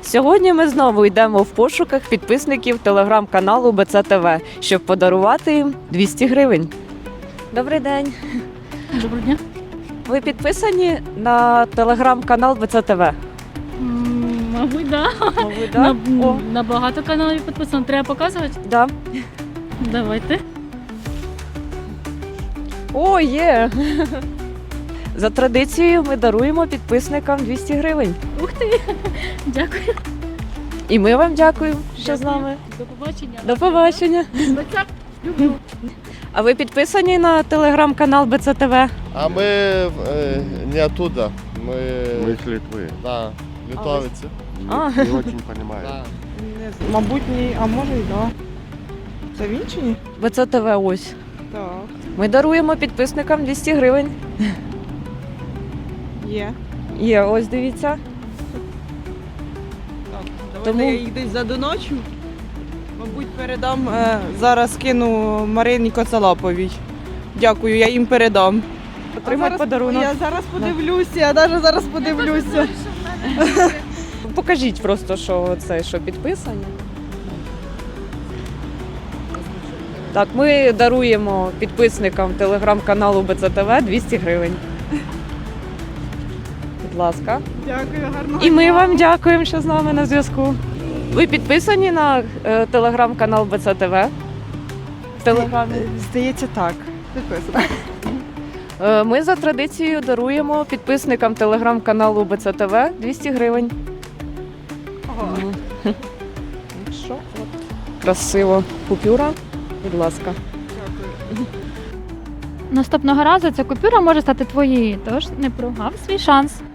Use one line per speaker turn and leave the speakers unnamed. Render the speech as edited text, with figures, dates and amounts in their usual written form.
Сьогодні ми знову йдемо в пошуках підписників телеграм-каналу БЦ-ТВ, щоб подарувати їм 200 гривень. Добрий день.
Доброго дня.
Ви підписані на телеграм-канал БЦ-ТВ?
Мабуть, да.
Мабуть, да? О,
На багато каналів підписано. Треба показувати?
да.
Давайте.
О, є! За традицією ми даруємо підписникам 200 гривень.
Ух ти! Дякую.
І ми вам дякуємо, що з нами.
До побачення.
До побачення.
Бацап. Люблю.
А ви підписані на телеграм-канал БЦ-ТВ?
А мы не оттуда.
Мы из Литвы.
Да, литовцы.
А.
Не очень понимаю.
Да.
Мабуть, ні, а може й да. Це він чи ні?
БЦ-ТВ ось.
Так.
Ми даруємо підписникам 200 гривень.
Є.
Є, ось дивіться.
Так, давайте
Тому-
я їх десь задоночу. Мабуть, передам, зараз кину Марині Коцалаповій. Дякую, я їм передам.
Отримати подарунок.
Я зараз подивлюся, я навіть зараз подивлюся.
Покажіть просто, що це, що підписані. Так, ми даруємо підписникам телеграм-каналу БЦ-ТВ 200 гривень. Будь ласка.
Дякую, гарно.
І ми вам дякуємо, що з нами на зв'язку. Ви підписані на телеграм-канал БЦ-ТВ? В телеграмі?
Здається, так. Підписано.
Ми за традицією даруємо підписникам телеграм-каналу БЦ-ТВ 200 гривень. Що? От. Красиво. Купюра. Будь ласка.
Наступного разу ця купюра може стати твоєю, тож не прогав свій шанс.